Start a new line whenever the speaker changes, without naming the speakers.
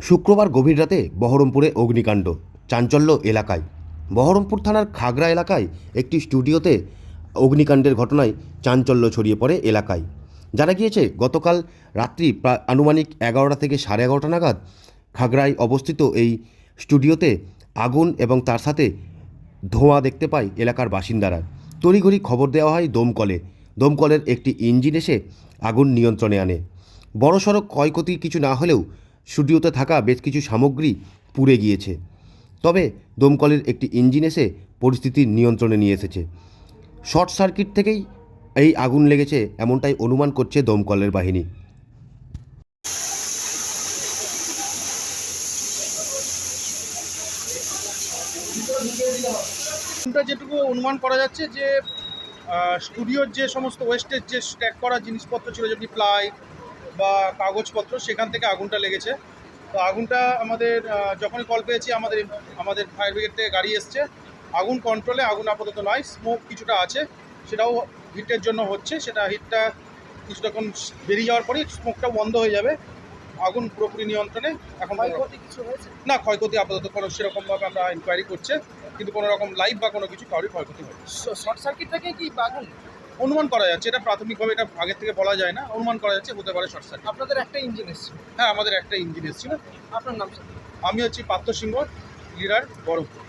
শুক্রবার গভীর রাতে বহরমপুরে অগ্নিকাণ্ড, চাঞ্চল্য এলাকায়। বহরমপুর থানার খাগড়া এলাকায় একটি স্টুডিওতে অগ্নিকাণ্ডের ঘটনায় চাঞ্চল্য ছড়িয়ে পড়ে এলাকায়। জানা গিয়েছে, গতকাল রাত্রি প্রায় আনুমানিক 11টা থেকে 11:30 নাগাদ খাগড়ায় অবস্থিত এই স্টুডিওতে আগুন এবং তার সাথে ধোঁয়া দেখতে পায় এলাকার বাসিন্দারা। তড়িঘড়ি খবর দেওয়া হয় দমকলে। দমকলের একটি ইঞ্জিন এসে আগুন নিয়ন্ত্রণে আনে। বড়সড় ক্ষয়ক্ষতি কিছু না হলেও স্টুডিওতে থাকা বেশ কিছু সামগ্রী পুড়ে গিয়েছে। তবে দমকলের একটি ইঞ্জিন এসে পরিস্থিতি নিয়ন্ত্রণে নিয়ে এসেছে। শর্ট সার্কিট থেকেই এই আগুন লেগেছে এমনটাই অনুমান করছে দমকলের বাহিনী।
যেটুকু অনুমান করা যাচ্ছে যে স্টুডিওর যে সমস্ত ওয়েস্টেজ যে স্ট্যাক করা জিনিসপত্র ছিল, যেমনি প্লাই বা কাগজপত্র, সেখান থেকে আগুনটা লেগেছে। তো আগুনটা আমাদের যখনই কল পেয়েছি আমাদের ফায়ার ব্রিগেড থেকে গাড়ি এসছে। আগুন কন্ট্রোলে, আগুন আপাতত নয়, স্মোক কিছুটা আছে, সেটাও হিটের জন্য হচ্ছে। সেটা হিটটা কিছুটাক্ষণ বেরিয়ে যাওয়ার পরেই স্মোকটা বন্ধ হয়ে যাবে। আগুন পুরোপুরি নিয়ন্ত্রণে। এখন
ক্ষয়ক্ষতি কিছু হয়েছে
না, ক্ষয়ক্ষতি আপাতত কোনো সেরকমভাবে আমরা ইনকোয়ারি করছে, কিন্তু কোনো রকম লাইভ বা কোনো কিছু কারোর ক্ষয়ক্ষতি হয়নি।
শর্ট সার্কিট থেকে কি আগুন
অনুমান করা যাচ্ছে, এটা প্রাথমিকভাবে, এটা আগের থেকে বলা যায় না, অনুমান করা যাচ্ছে হতে পারে শর্ট সার্কিট।
আপনাদের একটা ইঞ্জিন এসেছিল?
হ্যাঁ, আমাদের একটা ইঞ্জিন এসেছিল।
আপনার নাম স্যার?
আমি হচ্ছি পার্থ সিংহ, লিডার, বহরমপুর।